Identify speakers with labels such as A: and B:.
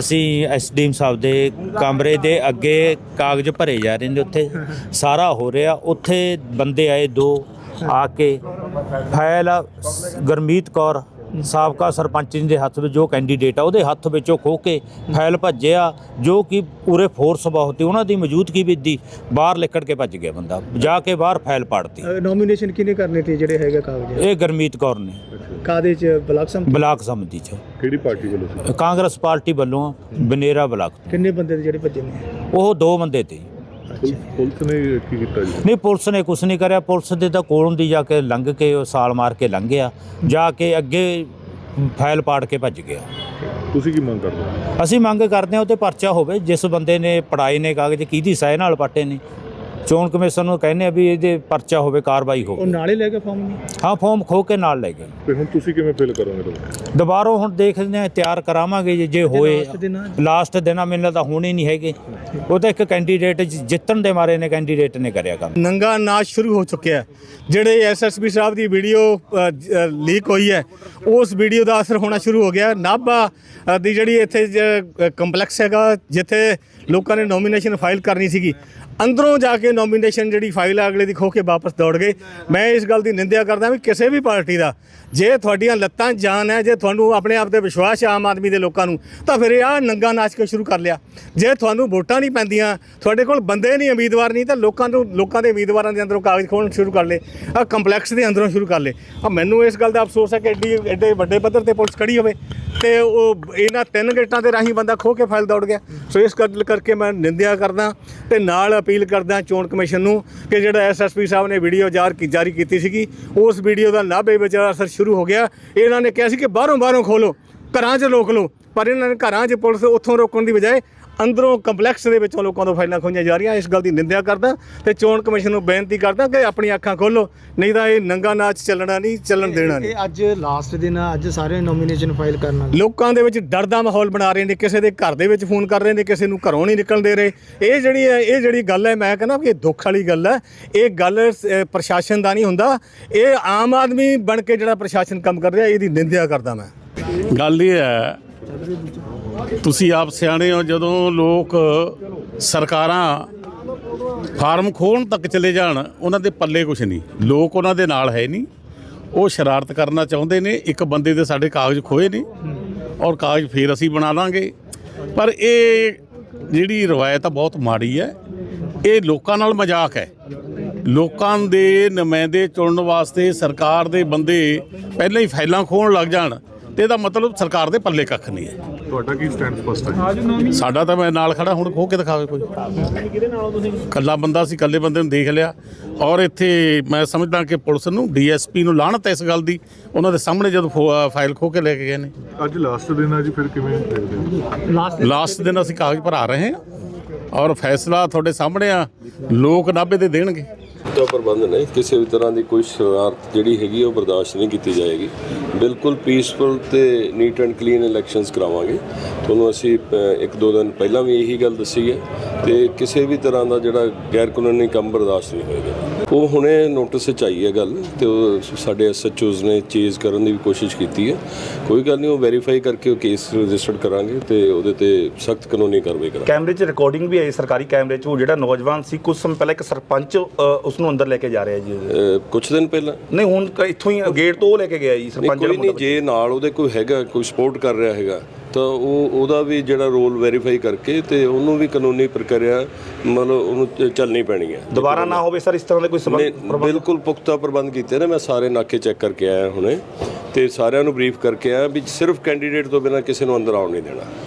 A: ਅਸੀਂ ਐਸਡੀਐਮ ਸਾਹਿਬ ਦੇ ਕਮਰੇ ਦੇ ਅੱਗੇ ਕਾਗਜ਼ ਭਰੇ ਜਾ ਰਹੇ ਨੇ, ਉੱਥੇ ਸਾਰਾ ਹੋ ਰਿਹਾ। ਉੱਥੇ ਬੰਦੇ ਆਏ 2 ਆ ਕੇ ਫਾਈਲ ਗੁਰਮੀਤ ਕੌਰ ਸਾਬਕਾ ਸਰਪੰਚ ਦੇ ਹੱਥ ਵਿੱਚ, ਜੋ ਕੈਂਡੀਡੇਟ ਆ ਉਹਦੇ ਹੱਥ ਵਿੱਚੋਂ ਖੋਹ ਕੇ ਫਾਈਲ ਭੱਜਿਆ, ਜੋ ਕਿ ਪੂਰੇ ਫੋਰਸ ਬਹੁਤ ਸੀ ਉਹਨਾਂ ਦੀ ਮੌਜੂਦਗੀ ਵਿੱਚ ਦੀ ਬਾਹਰ ਲਿਕੜ ਕੇ ਭੱਜ ਗਿਆ ਬੰਦਾ, ਜਾ ਕੇ ਬਾਹਰ ਫਾਈਲ ਪਾੜਤੀ।
B: ਨੋਮੀਨੇਸ਼ਨ ਕਿਹਨੇ ਕਰਨੇ ਤੇ ਜਿਹੜੇ ਹੈਗੇ ਕਾਗਜ਼?
A: ਇਹ ਗੁਰਮੀਤ ਕੌਰ ਨੇ।
B: ਕਾਦੇ ਚ?
A: ਬਲਾਕ ਸਮਿਤੀ ਚ।
C: ਕਿਹੜੀ ਪਾਰਟੀ ਵੱਲੋਂ ਸੀ?
A: ਕਾਂਗਰਸ ਪਾਰਟੀ ਵੱਲੋਂ ਬਨੇਰਾ ਬਲਾਕ।
B: ਕਿੰਨੇ ਬੰਦੇ ਦੇ ਜਿਹੜੇ ਭੱਜੇ ਨੇ?
A: ਉਹ 2 ਬੰਦੇ ਤੇ।
C: ਪੁਲਿਸ ਨੇ ਕੀ ਕੀਤਾ ਜੀ?
A: ਨਹੀਂ, ਪੁਲਿਸ ਨੇ ਕੁਛ ਨਹੀਂ ਕਰਿਆ। ਪੁਲਿਸ ਦੇ ਤਾਂ ਕੋਲੋਂ ਦੀ ਜਾ ਕੇ ਲੰਘ ਕੇ ਉਹ ਸਾਲ ਮਾਰ ਕੇ ਲੰਘਿਆ, ਜਾ ਕੇ ਅੱਗੇ ਫਾਈਲ ਪਾੜ ਕੇ ਭੱਜ ਗਿਆ।
C: ਤੁਸੀਂ ਕੀ ਮੰਗ ਕਰਦੇ ਹੋ?
A: ਅਸੀਂ ਮੰਗ ਕਰਦੇ ਹਾਂ ਉਹ 'ਤੇ ਪਰਚਾ ਹੋਵੇ। ਜਿਸ ਬੰਦੇ ਨੇ ਪੜਾਏ ਨੇ ਕਾਗਜ਼, ਕਿਹਦੀ ਸਹਿ ਨਾਲ ਪਾਟੇ ਨੇ, ਚੋਣ ਕਮਿਸ਼ਨ ਨੂੰ ਕਹਿੰਦੇ ਆ ਵੀ ਇਹਦੇ ਪਰਚਾ ਹੋਵੇ, ਕਾਰਵਾਈ ਹੋਵੇ।
B: ਉਹ ਨਾਲੇ ਲੈ ਕੇ ਫਾਰਮ ਨਹੀਂ?
A: ਹਾਂ, ਫਾਰਮ ਖੋ ਕੇ ਨਾਲ ਲੈ ਗਏ।
C: ਤੇ ਹੁਣ ਤੁਸੀਂ ਕਿਵੇਂ ਫਿਲ ਕਰੋਗੇ?
A: ਦੁਬਾਰਾ ਹੁਣ ਦੇਖਦੇ ਹਾਂ, ਤਿਆਰ ਕਰਾਵਾਂਗੇ ਜੇ ਹੋਏ। ਲਾਸਟ ਦਿਨਾਂ ਮੈਨੂੰ ਤਾਂ ਹੋਣੇ ਨਹੀਂ ਹੈਗੇ। ਉਹ ਤਾਂ ਇੱਕ ਕੈਂਡੀਡੇਟ ਜਿੱਤਣ ਦੇ ਮਾਰੇ ਨੇ ਕੈਂਡੀਡੇਟ ਨੇ ਕਰਿਆ ਕੰਮ।
B: ਨੰਗਾ ਨਾਚ ਸ਼ੁਰੂ ਹੋ ਚੁੱਕਿਆ। ਜਿਹੜੇ ਐਸਐਸਪੀ ਸਾਹਿਬ ਦੀ ਵੀਡੀਓ ਲੀਕ ਹੋਈ ਹੈ, ਉਸ ਵੀਡੀਓ ਦਾ ਅਸਰ ਹੋਣਾ ਸ਼ੁਰੂ ਹੋ ਗਿਆ। ਨਾਭਾ ਦੀ ਜਿਹੜੀ ਇੱਥੇ ਕੰਪਲੈਕਸ ਹੈਗਾ, ਜਿੱਥੇ ਲੋਕਾਂ ਨੇ ਨੋਮੀਨੇਸ਼ਨ ਫਾਈਲ ਕਰਨੀ ਸੀਗੀ, ਅੰਦਰੋਂ ਜਾ ਕੇ ਨੋਮੀਨੇਸ਼ਨ ਜਿਹੜੀ ਫਾਈਲ ਆ ਅਗਲੇ ਦੀ ਖੋ ਕੇ ਵਾਪਸ ਦੌੜ ਗਏ। ਮੈਂ ਇਸ ਗੱਲ ਦੀ ਨਿੰਦਿਆ ਕਰਦਾ ਵੀ ਕਿਸੇ ਵੀ ਪਾਰਟੀ ਦਾ ਜੇ ਤੁਹਾਡੀਆਂ ਲੱਤਾਂ ਜਾਨ ਹੈ, ਜੇ ਤੁਹਾਨੂੰ ਆਪਣੇ ਆਪ ਤੇ ਵਿਸ਼ਵਾਸ ਹੈ ਆਮ ਆਦਮੀ ਦੇ ਲੋਕਾਂ ਨੂੰ, ਤਾਂ ਫਿਰ ਇਹ ਨੰਗਾ ਨਾਚ ਕੇ ਸ਼ੁਰੂ ਕਰ ਲਿਆ। ਜੇ ਤੁਹਾਨੂੰ ਵੋਟਾਂ ਨਹੀਂ ਪੈਂਦੀਆਂ, ਤੁਹਾਡੇ ਕੋਲ ਬੰਦੇ ਨਹੀਂ, ਉਮੀਦਵਾਰ ਨਹੀਂ, ਤਾਂ ਲੋਕਾਂ ਦੇ ਉਮੀਦਵਾਰਾਂ ਦੇ ਅੰਦਰੋਂ ਕਾਗਜ਼ ਖੋਲ੍ਹਣ ਸ਼ੁਰੂ ਕਰ ਲਏ, ਕੰਪਲੈਕਸ ਦੇ ਅੰਦਰੋਂ ਸ਼ੁਰੂ ਕਰ ਲਏ। ਮੈਨੂੰ ਇਸ ਗੱਲ ਦਾ ਅਫਸੋਸ ਹੈ ਕਿ ਐਡੇ ਵੱਡੇ ਪੱਧਰ ਤੇ ਪੁਲਿਸ ਖੜੀ ਹੋਵੇ ਤੇ ਉਹ ਇਹਨਾਂ 3 ਗੇਟਾਂ ਦੇ ਰਾਹੀਂ ਬੰਦਾ ਖੋਹ ਕੇ ਫਾਈਲ ਦੌੜ ਗਿਆ। ਸੋ ਇਸ ਗੱਲ ਕਰਕੇ ਮੈਂ ਨਿੰਦਿਆ ਕਰਦਾ ਤੇ ਨਾਲ ਅਪੀਲ ਕਰਦਾ ਚੋਣ ਕਮਿਸ਼ਨ ਨੂੰ ਕਿ ਜਿਹੜਾ ਐਸਐਸਪੀ ਸਾਹਿਬ ਨੇ ਵੀਡੀਓ ਜਾਰੀ ਕੀਤੀ ਸੀਗੀ, ਉਸ ਵੀਡੀਓ ਦਾ ਨਾਭੇ ਵਿੱਚ ਅਸਰ ਸ਼ੁਰੂ ਹੋ ਗਿਆ। ਇਹਨਾਂ ਨੇ ਕਿਹਾ ਸੀ ਕਿ ਬਾਹਰੋਂ ਖੋਲੋ, ਘਰਾਂ 'ਚ ਰੋਕ ਲਓ, ਪਰ ਇਹਨਾਂ ਨੇ ਘਰਾਂ 'ਚ ਪੁਲਿਸ ਉੱਥੋਂ ਰੋਕਣ ਦੀ ਬਜਾਏ ਅੰਦਰੋਂ ਕੰਪਲੈਕਸ ਦੇ ਵਿੱਚੋਂ ਲੋਕਾਂ ਤੋਂ ਫਾਈਲਾਂ ਖੋਹੀਆਂ ਜਾ ਰਹੀਆਂ। ਇਸ ਗੱਲ ਦੀ ਨਿੰਦਿਆ ਕਰਦਾ ਤੇ ਚੋਣ ਕਮਿਸ਼ਨ ਨੂੰ ਬੇਨਤੀ ਕਰਦਾ ਕਿ ਆਪਣੀਆਂ ਅੱਖਾਂ ਖੋਲੋ, ਨਹੀਂ ਤਾਂ ਇਹ ਨੰਗਾ ਨਾਚ ਚੱਲਣ ਦੇਣਾ ਨਹੀਂ।
D: ਅੱਜ ਲਾਸਟ ਦਿਨ ਆ, ਅੱਜ ਸਾਰੇ ਨੋਮੀਨੇਸ਼ਨ ਫਾਈਲ ਕਰਨਾ।
B: ਲੋਕਾਂ ਦੇ ਵਿੱਚ ਡਰ ਦਾ ਮਾਹੌਲ ਬਣਾ ਰਹੇ ਨੇ, ਕਿਸੇ ਦੇ ਘਰ ਦੇ ਵਿੱਚ ਫੋਨ ਕਰ ਰਹੇ ਨੇ, ਕਿਸੇ ਨੂੰ ਘਰੋਂ ਨਹੀਂ ਨਿਕਲਣ ਦੇ ਰਹੇ। ਇਹ ਜਿਹੜੀ ਗੱਲ ਹੈ, ਮੈਂ ਕਹਿੰਦਾ ਕਿ ਇਹ ਦੁੱਖ ਵਾਲੀ ਗੱਲ ਹੈ। ਇਹ ਗੱਲ ਪ੍ਰਸ਼ਾਸਨ ਦਾ ਨਹੀਂ ਹੁੰਦਾ, ਇਹ ਆਮ ਆਦਮੀ ਬਣ ਕੇ ਜਿਹੜਾ ਪ੍ਰਸ਼ਾਸਨ ਕੰਮ ਕਰ ਰਿਹਾ, ਇਹਦੀ ਨਿੰਦਿਆ ਕਰਦਾ ਮੈਂ।
E: ਗੱਲ ਇਹ ਹੈ, ਤੁਸੀਂ ਆਪ ਸਿਆਣੇ ਹੋ, ਜਦੋਂ ਲੋਕ ਸਰਕਾਰਾਂ ਫਾਰਮ ਖੋਲ੍ਹਣ ਤੱਕ ਚਲੇ ਜਾਣ, ਉਹਨਾਂ ਦੇ ਪੱਲੇ ਕੁਛ ਨਹੀਂ, ਲੋਕ ਉਹਨਾਂ ਦੇ ਨਾਲ ਹੈ ਨਹੀਂ। ਉਹ ਸ਼ਰਾਰਤ ਕਰਨਾ ਚਾਹੁੰਦੇ ਨੇ। ਇੱਕ ਬੰਦੇ ਦੇ ਸਾਡੇ ਕਾਗਜ਼ ਖੋਏ ਨੇ ਔਰ ਕਾਗਜ਼ ਫੇਰ ਅਸੀਂ ਬਣਾ ਲਾਂਗੇ। ਪਰ ਇਹ ਜਿਹੜੀ ਰਵਾਇਤ ਆ ਬਹੁਤ ਮਾੜੀ ਹੈ। ਇਹ ਲੋਕਾਂ ਨਾਲ ਮਜ਼ਾਕ ਹੈ। ਲੋਕਾਂ ਦੇ ਨੁਮਾਇੰਦੇ ਚੁਣਨ ਵਾਸਤੇ ਸਰਕਾਰ ਦੇ ਬੰਦੇ ਪਹਿਲਾਂ ਹੀ ਫਾਈਲਾਂ ਖੋਹਣ ਲੱਗ ਜਾਣ ਤੇ ਇਹਦਾ ਮਤਲਬ ਸਰਕਾਰ ਦੇ ਪੱਲੇ ਕੱਖ ਨਹੀਂ ਹੈ।
C: ਤੁਹਾਡਾ ਕੀ ਸਟੈਂਡ ਸਪਸ਼ਟ ਹੈ?
E: ਸਾਡਾ ਤਾਂ ਮੈਂ ਨਾਲ ਖੜਾ, ਹੁਣ ਖੋਹ ਕੇ ਦਿਖਾਵੇ ਕੋਈ। ਇਕੱਲਾ ਬੰਦਾ ਸੀ, ਇਕੱਲੇ ਬੰਦੇ ਨੂੰ ਦੇਖ ਲਿਆ। ਔਰ ਇੱਥੇ ਮੈਂ ਸਮਝਦਾ ਕਿ ਪੁਲਿਸ ਨੂੰ, ਡੀਐਸਪੀ ਨੂੰ ਲਾਹਨਤ ਹੈ ਇਸ ਗੱਲ ਦੀ। ਉਹਨਾਂ ਦੇ ਸਾਹਮਣੇ ਜਦੋਂ ਫਾਈਲ ਖੋਹ ਕੇ ਲੈ ਕੇ ਗਏ ਨੇ।
C: ਅੱਜ ਲਾਸਟ ਦਿਨ ਆ ਜੀ, ਫਿਰ ਕਿਵੇਂ ਦੇਖਦੇ ਹੋ?
E: ਲਾਸਟ ਦਿਨ ਅਸੀਂ ਕਾਗਜ਼ ਭਰਾ ਰਹੇ ਹਾਂ ਔਰ ਫੈਸਲਾ ਤੁਹਾਡੇ ਸਾਹਮਣੇ ਆ, ਲੋਕ ਨਾਭੇ ਦੇ ਦੇਣਗੇ।
F: ਦਾ ਪ੍ਰਬੰਧ ਨਹੀਂ, ਕਿਸੇ ਵੀ ਤਰ੍ਹਾਂ ਦੀ ਕੋਈ ਸ਼ਰਾਰਤ ਜਿਹੜੀ ਹੈਗੀ ਉਹ ਬਰਦਾਸ਼ਤ ਨਹੀਂ ਕੀਤੀ ਜਾਏਗੀ। ਬਿਲਕੁਲ ਪੀਸਫੁਲ ਤੇ ਨੀਟ ਐਂਡ ਕਲੀਨ ਇਲੈਕਸ਼ਨਸ ਕਰਾਵਾਂਗੇ। ਤੁਹਾਨੂੰ ਅਸੀਂ 1-2 ਦਿਨ ਪਹਿਲਾਂ ਵੀ ਇਹੀ ਗੱਲ ਦੱਸੀ ਹੈ ਤੇ ਕਿਸੇ ਵੀ ਤਰ੍ਹਾਂ ਦਾ ਜਿਹੜਾ ਗੈਰ ਕਾਨੂੰਨੀ ਕੰਮ ਬਰਦਾਸ਼ਤ ਨਹੀਂ ਹੋਏਗਾ। ਉਹ ਹੁਣੇ ਨੋਟਿਸ 'ਚ ਆਈ ਹੈ ਗੱਲ ਤੇ ਉਹ ਸਾਡੇ ਐਸਐਚਓਜ਼ ਨੇ ਚੇਜ਼ ਕਰਨ ਦੀ ਵੀ ਕੋਸ਼ਿਸ਼ ਕੀਤੀ ਹੈ। ਕੋਈ ਗੱਲ ਨਹੀਂ, ਉਹ ਵੈਰੀਫਾਈ ਕਰਕੇ ਉਹ ਕੇਸ ਰਜਿਸਟਰਡ ਕਰਾਂਗੇ ਤੇ ਉਹਦੇ ਤੇ ਸਖਤ ਕਾਨੂੰਨੀ ਕਾਰਵਾਈ ਕਰਾਂਗੇ।
G: ਕੈਮਰੇ 'ਚ ਰਿਕਾਰਡਿੰਗ ਵੀ ਆਈ ਸਰਕਾਰੀ ਕੈਮਰੇ 'ਚ, ਉਹ ਜਿਹੜਾ ਨੌਜਵਾਨ ਸੀ ਕੁਝ ਸਮੇਂ ਪਹਿਲਾਂ ਇੱਕ ਸਰਪੰਚ ਉਸ ਨੂੰ ਅੰਦਰ ਲੈ ਕੇ ਜਾ ਰਿਹਾ ਜੀ।
F: ਕੁਛ ਦਿਨ ਪਹਿਲਾਂ
G: ਨਹੀਂ, ਹੁਣ ਇੱਥੋਂ ਹੀ ਗੇਟ ਤੋਂ ਉਹ ਲੈ ਕੇ ਗਿਆ ਜੀ ਸਰਪੰਚ।
F: ਕੋਈ ਨਹੀਂ, ਜੇ ਨਾਲ ਉਹਦੇ ਕੋਈ ਹੈਗਾ, ਕੋਈ ਸਪੋਰਟ ਕਰ ਰਿਹਾ ਹੈਗਾ, ਤਾਂ ਉਹਦਾ ਵੀ ਜਿਹੜਾ ਰੋਲ ਵੈਰੀਫਾਈ ਕਰਕੇ ਤੇ ਉਹਨੂੰ ਵੀ ਕਾਨੂੰਨੀ ਪ੍ਰਕਿਰਿਆ ਮਤਲਬ ਉਹਨੂੰ ਚੱਲਣੀ ਪੈਣੀ ਹੈ।
G: ਦੁਬਾਰਾ ਨਾ ਹੋਵੇ ਸਰ ਇਸ ਤਰ੍ਹਾਂ ਦੇ ਕੋਈ ਸਬੰਧ।
F: ਬਿਲਕੁਲ ਪੁਖਤਾ ਪ੍ਰਬੰਧ ਕੀਤੇ ਨੇ। ਮੈਂ ਸਾਰੇ ਨਾਕੇ ਚੈੱਕ ਕਰਕੇ ਆਇਆ ਹੁਣੇ ਤੇ ਸਾਰਿਆਂ ਨੂੰ ਬਰੀਫ ਕਰਕੇ ਆਇਆ ਵੀ ਸਿਰਫ ਕੈਂਡੀਡੇਟ ਤੋਂ ਬਿਨਾਂ ਕਿਸੇ ਨੂੰ ਅੰਦਰ ਆਉਣ ਨਹੀਂ ਦੇਣਾ।